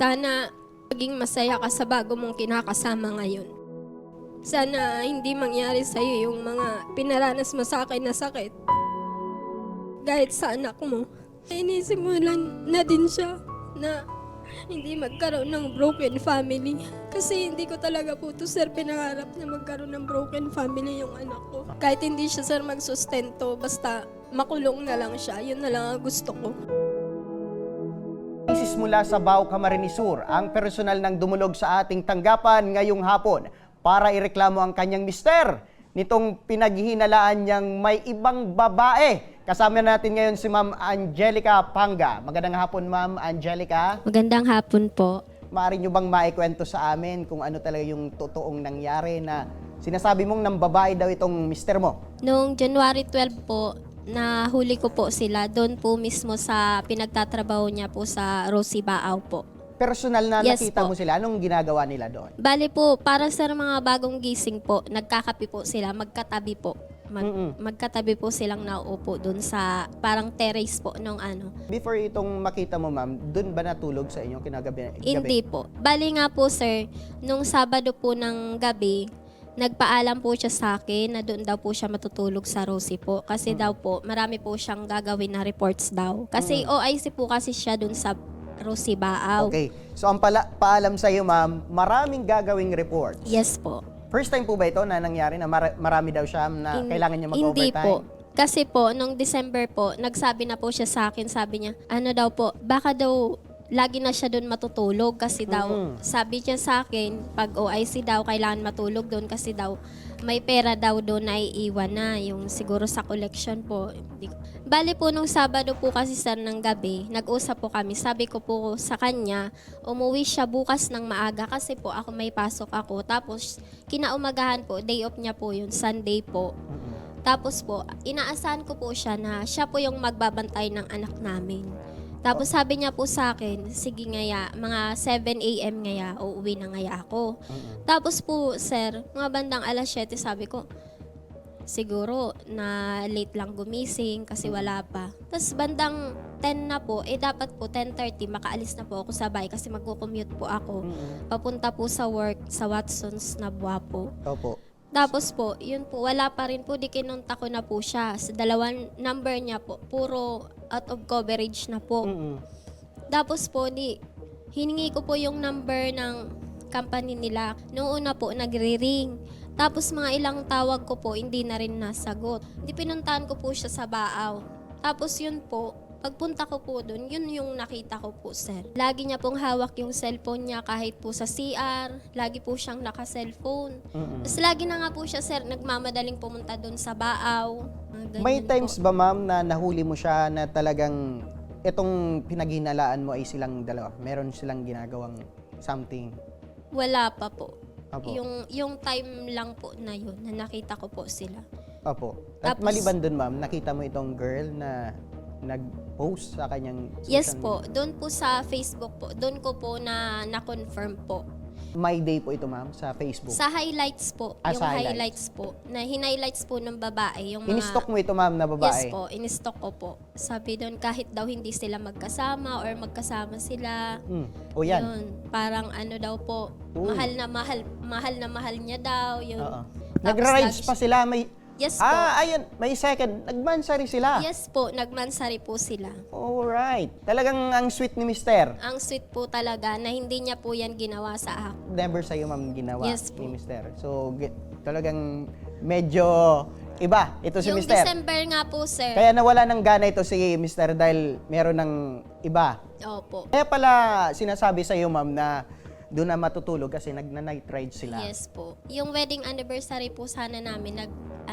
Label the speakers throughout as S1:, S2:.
S1: Sana maging masaya ka sa bago mong kinakasama ngayon. Sana hindi mangyari sa'yo yung mga pinaranas mo sa akin na sakit. Kahit sa anak mo. Inisimulan na din siya na hindi magkaroon ng broken family. Kasi hindi ko talaga po to, sir, pinangarap na magkaroon ng broken family yung anak ko. Kahit hindi siya, sir, magsustento, basta makulong na lang siya. Yun na lang ang gusto ko.
S2: Isis mula sa Bao, Camarines Sur, ang personal ng dumulog sa ating tanggapan ngayong hapon para ireklamo ang kanyang mister nitong pinaghihinalaan niyang may ibang babae. Kasama natin ngayon si Ma'am Angelica Panga. Magandang hapon, Ma'am Angelica.
S1: Magandang hapon po.
S2: Maaari niyo bang maikwento sa amin kung ano talaga yung totoong nangyari na sinasabi mong nang babae daw itong mister mo?
S1: Noong January 12 po, nahuli ko po sila doon po mismo sa pinagtatrabaho niya po sa Rosie Baaw po.
S2: Personal na
S1: Yes
S2: nakita
S1: po.
S2: mo sila, anong ginagawa nila doon?
S1: Bali po, para sa mga bagong gising po, nagkakape po sila, magkatabi po. Magkatabi po silang nauupo doon sa parang terrace po nung ano.
S2: Before itong makita mo, ma'am, doon ba natulog sa inyo kinagabi?
S1: Hindi po. Bali nga po, sir, nung Sabado po ng gabi, nagpaalam po siya sa akin na doon daw po siya matutulog sa Rosie po. Kasi daw po, marami po siyang gagawin na reports daw. Kasi OIC po kasi siya doon sa Rosie Baaw.
S2: Okay. So ang paalam sa iyo, ma'am, maraming gagawing reports.
S1: Yes po.
S2: First time po ba ito na nangyari na marami daw siya na kailangan niya
S1: Hindi
S2: mag-overtime?
S1: po. Kasi po, nung December po, nagsabi na po siya sa akin, sabi niya, ano daw po, baka daw lagi na siya doon matutulog kasi daw, sabi niya sa akin, pag OIC daw, kailangan matulog doon kasi daw, may pera daw doon na iiwan na, yung siguro sa collection po. Bali po, nung Sabado po kasi sir ng gabi, nag-usap po kami, sabi ko po sa kanya, umuwi siya bukas ng maaga kasi po ako may pasok ako. Tapos, kinaumagahan po, day off niya po yun, Sunday po. Tapos po, inaasahan ko po siya na siya po yung magbabantay ng anak namin. Tapos sabi niya po sa akin, sige ngaya, mga 7 a.m. ngaya, uuwi na ngaya ako. Tapos po, sir, mga bandang alas 7, sabi ko, siguro na late lang gumising kasi wala pa. Tapos bandang 10 na po, dapat po 10:30 makaalis na po ako sa bahay kasi magko-commute po ako. Papunta po sa work sa Watson's na Buwapo.
S2: Opo.
S1: Tapos po, yun po, wala pa rin po, di kinunta ko na po siya. Sa dalawang number niya po, puro out of coverage na po. Tapos po, hiningi ko po yung number ng company nila. Noong una po, nagre-ring. Tapos mga ilang tawag ko po, hindi na rin nasagot. Hindi pinuntahan ko po siya sa Baaw. Tapos yun po, pagpunta ko po dun, yun yung nakita ko po, sir. Lagi niya pong hawak yung cellphone niya kahit po sa CR. Lagi po siyang naka-cellphone. Tapos lagi na nga po siya, sir, nagmamadaling pumunta dun sa Baaw.
S2: May times ba, ma'am, na nahuli mo siya na talagang itong pinaghinalaan mo ay silang dalawa? Meron silang ginagawang something?
S1: Wala pa po.
S2: Opo.
S1: Yung time lang po na yun, na nakita ko po sila.
S2: Opo. At
S1: Tapos-
S2: maliban dun, ma'am, nakita mo itong girl na nag-post sa kanyang social
S1: Yes
S2: media?
S1: po, doon po sa Facebook po, doon ko po na-confirm po.
S2: My day po ito, ma'am, sa Facebook.
S1: Sa highlights po,
S2: Ah,
S1: yung
S2: sa
S1: highlights po, na hinighlights po ng babae, yung mga...
S2: In-stock mo ito, ma'am, na babae?
S1: Yes po, in-stock ko po. Sabi doon, kahit daw hindi sila magkasama or magkasama sila,
S2: O yan.
S1: yun, parang ano daw po,
S2: Uy.
S1: mahal na mahal niya daw, yun.
S2: Oo.
S1: Tapos
S2: Nagra-rides
S1: lagi
S2: pa sila.
S1: Yes po.
S2: Ayun. May second. Nagmansari sila.
S1: Yes po, nagmansari po sila.
S2: Alright. Talagang ang sweet ni Mister.
S1: Ang sweet po talaga na hindi niya po yan ginawa sa akin.
S2: Never sa'yo, ma'am, ginawa
S1: Yes po.
S2: ni Mister. So, talagang medyo iba ito si
S1: Yung
S2: Mister.
S1: December nga po, sir.
S2: Kaya nawala ng gana ito si Mister dahil meron ng iba.
S1: Opo.
S2: Kaya pala sinasabi sa'yo, ma'am, na doon na matutulog kasi nag-night ride sila.
S1: Yes po. Yung wedding anniversary po sana namin,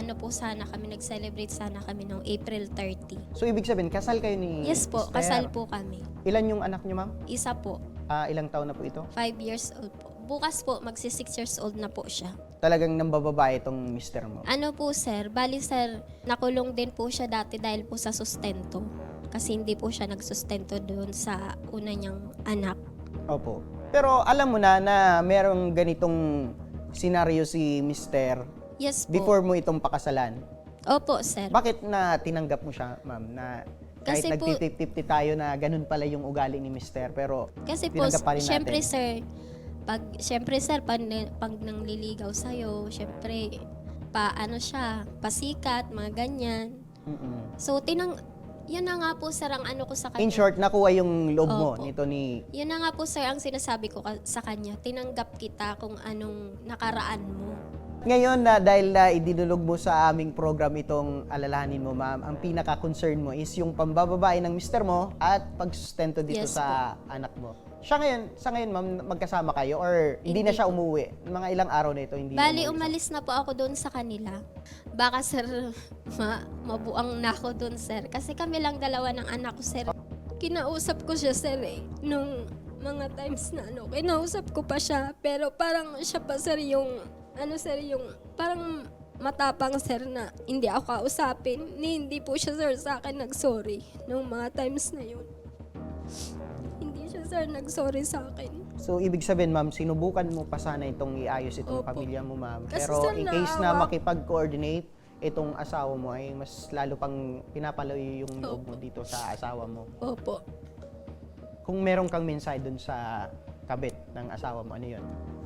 S1: nag-celebrate sana kami noong April 30.
S2: So, ibig sabihin, kasal kayo ni
S1: Yes po,
S2: Mister.
S1: kasal po kami.
S2: Ilan yung anak niyo, ma'am?
S1: Isa po,
S2: Ilang taon na po ito?
S1: 5 years old po. Bukas po, magsi 6 years old na po siya.
S2: Talagang nambababae itong Mister mo.
S1: Ano po, sir? Bali, sir, nakulong din po siya dati dahil po sa sustento. Kasi hindi po siya nagsustento doon sa una niyang anak.
S2: Opo. Pero alam mo na merong ganitong senaryo si Mister
S1: Yes po.
S2: before mo itong pakasalan.
S1: Opo, sir.
S2: Bakit na tinanggap mo siya, ma'am, na Kahit
S1: Kasi po-
S2: nagtitip-tipti tayo na ganun pala yung ugali ni Mister, pero
S1: Kasi po,
S2: tinanggap pa rin natin.
S1: syempre sir, pag nangliligaw sa'yo, syempre, siya, pasikat, mga ganyan.
S2: Mm-mm.
S1: So, yun na nga po sir ang ano ko sa kanya.
S2: In short, nakuha yung loob mo
S1: Opo.
S2: nito ni...
S1: Yun na nga po sir ang sinasabi ko sa kanya. Tinanggap kita kung anong nakaraan mo.
S2: Ngayon na dahil idinulog mo sa aming program itong alalahanin mo, ma'am, ang pinaka-concern mo is yung pambababae ng mister mo at pagsustento dito
S1: Yes
S2: sa anak mo. Sa ngayon, ma'am, magkasama kayo or hindi na
S1: Hindi
S2: siya umuwi? Mga ilang araw na ito, hindi
S1: Bali,
S2: umuwi
S1: umalis na po ako doon sa kanila. Baka sir, mabuang na ako doon sir. Kasi kami lang dalawa ng anak ko sir. Kinausap ko siya sir nung mga times na kinausap ko pa siya. Pero parang siya pa sir yung parang matapang sir na hindi ako kausapin. Hindi po siya sir sa akin nag-sorry nung mga times na yun. Hindi siya sir nag-sorry sa akin.
S2: So, ibig sabihin, ma'am, sinubukan mo pa sana itong iayos itong
S1: Opo.
S2: pamilya mo, ma'am.
S1: Kasi,
S2: Pero
S1: sir,
S2: in case na
S1: naawa-
S2: makipag-coordinate itong asawa mo, ay mas lalo pang pinapalayo yung loob mo dito sa asawa mo.
S1: Opo.
S2: Kung meron kang mensahe dun sa kabit ng asawa mo, ano yun?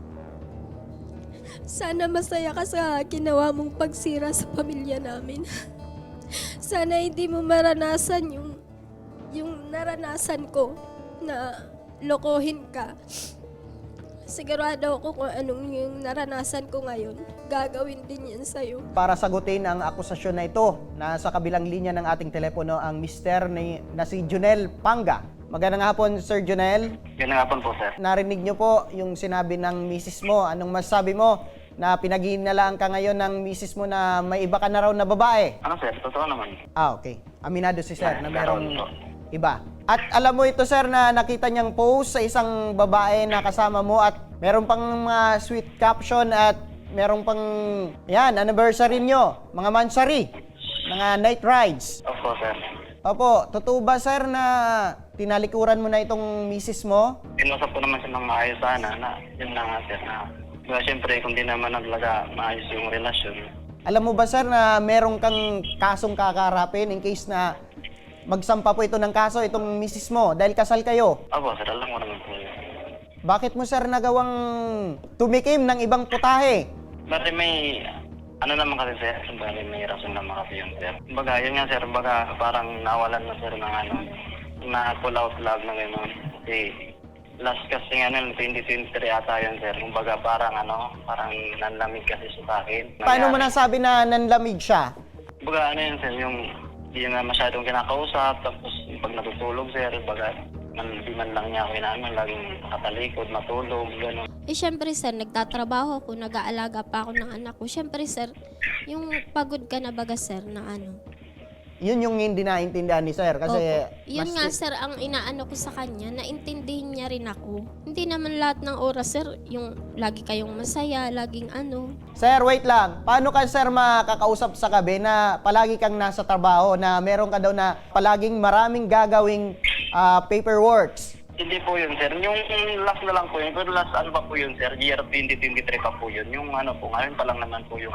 S1: Sana masaya ka sa ginawa mong pagsira sa pamilya namin. Sana hindi mo maranasan yung naranasan ko na lokohin ka. Sigurado ako kung anong yung naranasan ko ngayon. Gagawin din yan sa'yo.
S2: Para sagutin ang akusasyon na ito, nasa kabilang linya ng ating telepono ang mister na si Junel Panga. Magandang hapon, Sir Junel.
S3: Ganang hapon po, sir.
S2: Narinig niyo po yung sinabi ng misis mo. Anong masabi mo na pinaghihinalaan ka ngayon ng misis mo na may iba ka na raw na babae?
S3: Ano, sir? Totoo naman.
S2: Okay. Aminado si Sir na merong
S3: Meron
S2: iba. At alam mo ito, Sir, na nakita niyang post sa isang babae na kasama mo at meron pang mga sweet caption at meron pang, anniversary niyo, mga mansari, mga night rides.
S3: Opo, sir.
S2: Opo, totoo ba, Sir, na tinalikuran mo na itong misis mo?
S3: Inusap ko naman siya ng maayos sana na yun na nga, sir, na siyempre, kung di naman talaga maayos yung relasyon.
S2: Alam mo ba, Sir, na meron kang kasong kakarapin in case na magsampa po ito ng kaso, itong misis mo, dahil kasal kayo?
S3: Opo, sir. Alam ko naman po yun.
S2: Bakit mo, Sir, nagawang tumikim ng ibang putahe?
S3: Bali may, ano naman kasi, sir, bali may rason naman kasi yun, sir. Baga, yun nga, sir, baga parang nawalan na, sir, ng na pull out love na gano'n. Kasi last kasi nga nun, 2023 ata yun, sir. Kumbaga parang parang nanlamig kasi siya sa akin.
S2: Paano mo
S3: Nangyari.
S2: nasabi na nanlamig siya?
S3: Baga, ano yun, sir, yung hindi na masyadong kinakausap, tapos pag natutulog, sir, baga, di man lang niya ako inaano, laging nakatalikod, matulog, gano'n.
S1: Syempre sir, nagtatrabaho ako, nag-aalaga pa ako ng anak ko. Syempre sir, yung pagod ka na baga sir na
S2: Yun yung hindi naintindihan ni Sir kasi
S1: Opo. Yun
S2: mas-
S1: nga sir, ang inaano ko sa kanya, naintindihin niya rin ako. Hindi naman lahat ng oras sir, yung lagi kayong masaya, laging
S2: Sir, wait lang. Paano ka, Sir, makakausap sa gabi na palagi kang nasa trabaho, na meron ka daw na palaging maraming gagawing paperworks?
S3: Hindi po yun, sir. Yung last na lang po yun. Pero last ano pa po yun, sir? Year 2023 pa po yun. Yung po, ngayon pa lang naman po yung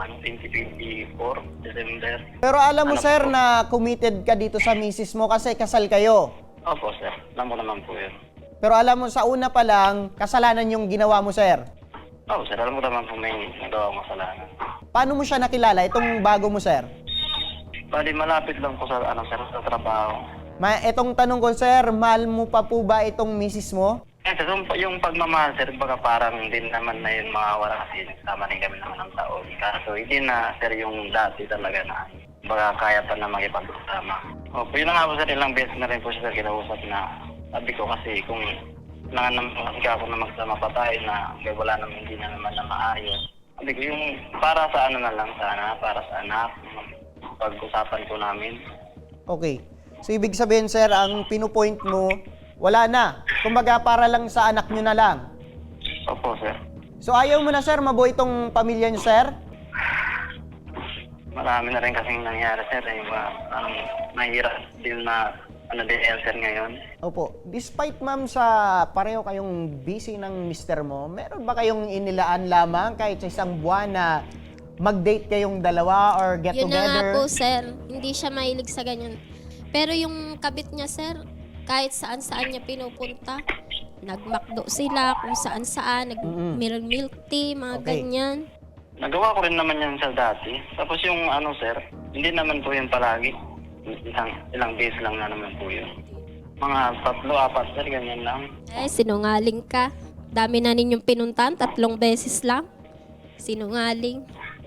S3: 2024, December.
S2: Pero alam mo,
S3: Ano
S2: Sir,
S3: po?
S2: na committed ka dito sa misis mo kasi kasal kayo.
S3: Opo, sir. Alam ko naman po yun.
S2: Pero alam mo, sa una pa lang, kasalanan yung ginawa mo, Sir.
S3: Opo, sir. Alam ko naman po may nagawa akong kasalanan.
S2: Paano mo siya nakilala, itong bago mo, Sir?
S3: Bali, malapit lang po sa, sir, sa trabaho.
S2: Itong tanong ko, Sir, mahal mo pa po ba itong misis mo?
S3: Sir, yung pagmamahal, sir, baga parang din naman na yun mga wala kasi nagsama rin kami naman ng taon. Kaso hindi na, sir, yung dati talaga na baga kaya pa na makipag-usama. Opo, yun na nga po, sir, ilang beses na rin po siya, sir, kinausap na sabi ko kasi kung kailangan naman kasi ako na magsama pa tayo na wala naman, hindi na naman na maayos. Sabi ko, yung para sa na lang sana, para sa anak, pag-usapan ko namin.
S2: Okay. So, ibig sabihin, Sir, ang pinupoint mo, wala na. Kumbaga, para lang sa anak nyo na lang.
S3: Opo, sir.
S2: So, ayaw mo na, Sir, mabuo itong pamilya nyo, Sir?
S3: Marami na rin kasing nangyari, sir. Ang mahirap din na sir, ngayon.
S2: Opo. Despite, ma'am, sa pareho kayong busy ng mister mo, meron ba kayong inilaan lamang kahit sa isang buwan na mag-date kayong dalawa or get
S1: Yun na nga
S2: together?
S1: po sir, hindi siya mahilig sa ganyan. Pero yung kabit niya, sir, kahit saan-saan niya pinupunta, nagmakdo sila kung saan-saan, nag-milk tea, mga
S2: Okay.
S1: ganyan.
S3: Nagawa ko rin naman yan sa dati. Tapos yung ano sir, hindi naman po yun palagi. Ilang days lang na naman po yun. Mga 3-4 sir, ganyan lang.
S1: Sinungaling ka. Dami na ninyong pinuntahan, 3 beses lang. Sinungaling.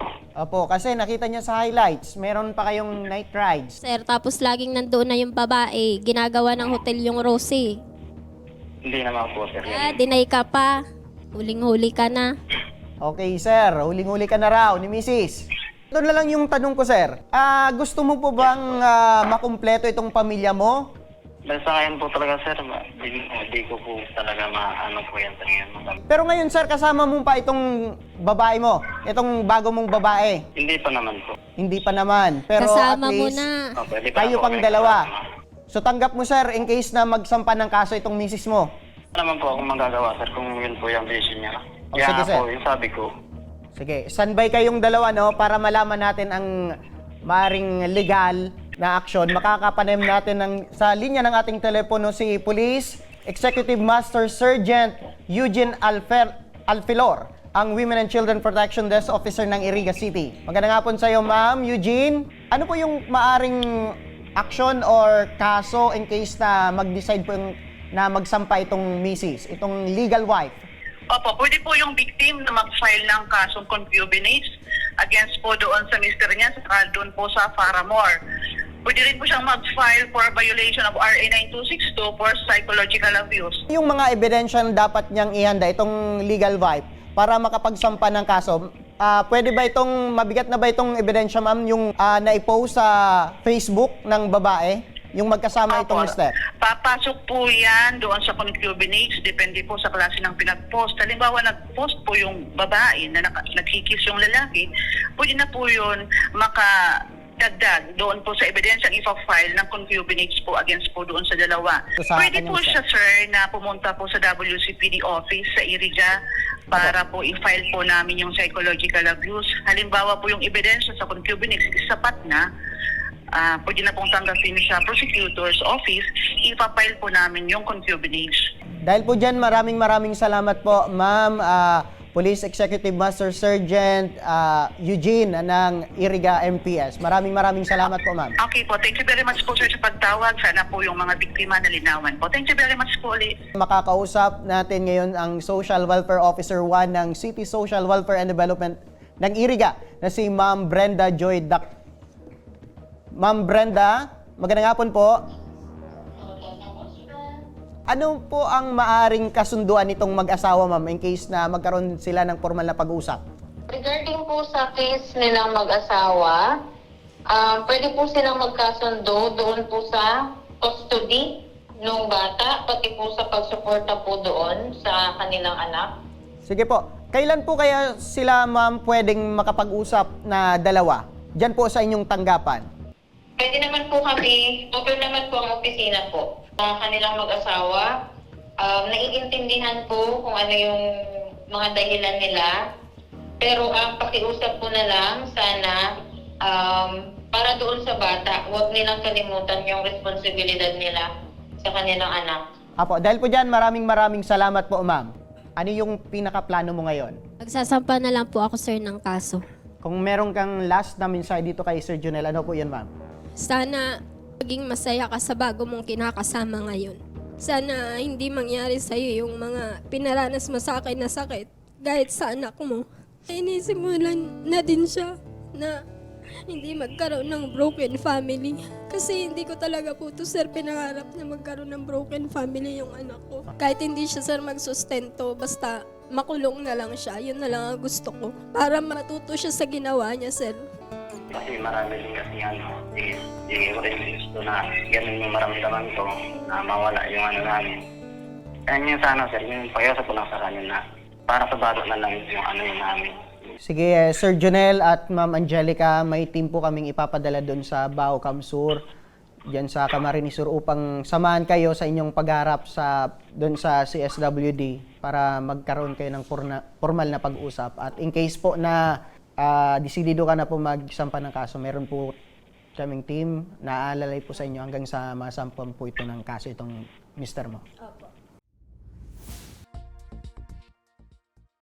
S2: Opo, kasi nakita niya sa highlights, meron pa kayong night rides.
S1: Sir, tapos laging nandoon na yung babae. Ginagawa ng hotel yung Rosie.
S3: Hindi naman po sir.
S1: Deny ka pa. Huling-huli ka na.
S2: Okay, sir. Huling-huli ka na raw ni Mrs. Doon na lang yung tanong ko, sir. Gusto mo po bang makumpleto itong pamilya mo?
S3: Dahil sa ngayon po talaga sir, hindi ko po talaga maano po yan sa ngayon.
S2: Pero ngayon, sir, kasama mo pa itong babae mo, itong bago mong babae.
S3: Hindi pa naman po.
S2: Hindi pa naman. Pero
S1: Kasama
S2: at
S1: mo
S2: least,
S1: na.
S3: Oh, pwede pa
S2: kayo
S3: po
S2: pang
S3: kami
S2: dalawa.
S3: kasama.
S2: So tanggap mo, sir, in case na magsampa ng kaso itong misis mo.
S3: Wala naman po akong magagawa sir kung yun po yung decision niya.
S2: Oh,
S3: Kaya
S2: sige,
S3: nga
S2: sir.
S3: po, yung sabi ko,
S2: Sige, standby kayong dalawa, no, para malaman natin ang maring legal na aksyon. Makakapanem natin sa linya ng ating telepono si Police Executive Master Sergeant Eugene Alfilor, ang Women and Children Protection Desk Officer ng Iriga City. Magandang hapon sa iyo, Ma'am Eugene. Ano po yung maaring aksyon or kaso in case na mag-decide po na magsampa itong misis, itong legal wife?
S4: Opo, pwede po yung victim na mag-file ng kasong concubinage against po doon sa mister niya saka doon po sa Faramore. Pwede rin po siyang mag-file for violation of RA 9262 for psychological abuse.
S2: Yung mga ebidensya na dapat niyang ihanda, itong legal wife, para makapagsampa ng kaso, pwede ba itong, mabigat na ba itong ebidensya, ma'am, yung naipost sa Facebook ng babae? Yung magkasama itong mister?
S4: Papasok po yan doon sa concubinage, depende po sa klase ng pinag-post. Halimbawa, nag-post po yung babae na nagkikis yung lalaki, pwede na po yun makadagdag doon po sa ebidensyang ipa-file ng concubinage po against po doon sa dalawa.
S2: So, sa
S4: Pwede
S2: kanyang
S4: po
S2: mister.
S4: siya, sir, na pumunta po sa WCPD office sa Iriga para po i-file po namin yung psychological abuse. Halimbawa po yung ebidensya sa concubinage is sapat na, pwede na pong tanggapin sa prosecutor's office, ipapile po namin yung concubinage.
S2: Dahil po dyan, maraming salamat po, ma'am, Police Executive Master Sergeant Eugene ng Iriga MPS. Maraming salamat po, ma'am.
S4: Okay po, thank you very much po sir sa pagtawag. Sana po yung mga biktima nalinawan po. Thank you very much po ulit.
S2: Makakausap natin ngayon ang Social Welfare Officer 1 ng City Social Welfare and Development ng Iriga na si Ma'am Brenda Joy Dak. Ma'am Brenda, magandang hapon po. Ano po ang maaring kasunduan nitong mag-asawa, ma'am, in case na magkaroon sila ng formal na pag-uusap?
S5: Regarding po sa case nilang mag-asawa, pwede po silang magkasundo doon po sa custody ng bata, pati po sa pagsuporta po doon sa kanilang anak.
S2: Sige po. Kailan po kaya sila, ma'am, pwedeng makapag-usap na dalawa? Diyan po sa inyong tanggapan.
S5: Pwede naman po kami, open naman po ang opisina po sa kanilang mag-asawa. Naiintindihan po kung ano yung mga dahilan nila. Pero ang pakiusap po na lang, sana para doon sa bata, huwag nilang kalimutan yung responsibilidad nila sa kanilang anak.
S2: Apo, dahil po dyan, maraming salamat po, ma'am. Ano yung pinaka-plano mo ngayon?
S1: Magsasampa na lang po ako, sir, ng kaso.
S2: Kung meron kang last na mensahe dito kay Sir Jonel, ano po yan, ma'am?
S1: Sana maging masaya ka sa bago mong kinakasama ngayon. Sana hindi mangyari sa'yo yung mga pinaranas mo sa akin na sakit, kahit sa anak mo. Inisimulan na din siya na hindi magkaroon ng broken family. Kasi hindi ko talaga po to, sir, pinangarap na magkaroon ng broken family yung anak ko. Kahit hindi siya, sir, magsustento, basta makulong na lang siya. Yun na lang ang gusto ko. Para matuto siya sa ginawa niya, sir.
S3: kasi marami din kasi hindi ko rin gusto na ganun yung maramdaman ko na mawala yung ano namin. Kaya yung sana sir, yung pakiusap ko lang sa kanya na para sa bata na lang yung ano yung namin.
S2: Sige, Sir Jonel at Ma'am Angelica, may team po kaming ipapadala doon sa Bao Kamsur, diyan sa Camarines Sur, upang samahan kayo sa inyong pagharap doon sa CSWD para magkaroon kayo ng formal na pag-usap. At in case po na desidido ka na po magsampa ng kaso, meron po kaming team, naaalalay po sa inyo hanggang sa masampan po ito ng kaso itong mister mo.
S1: Opo.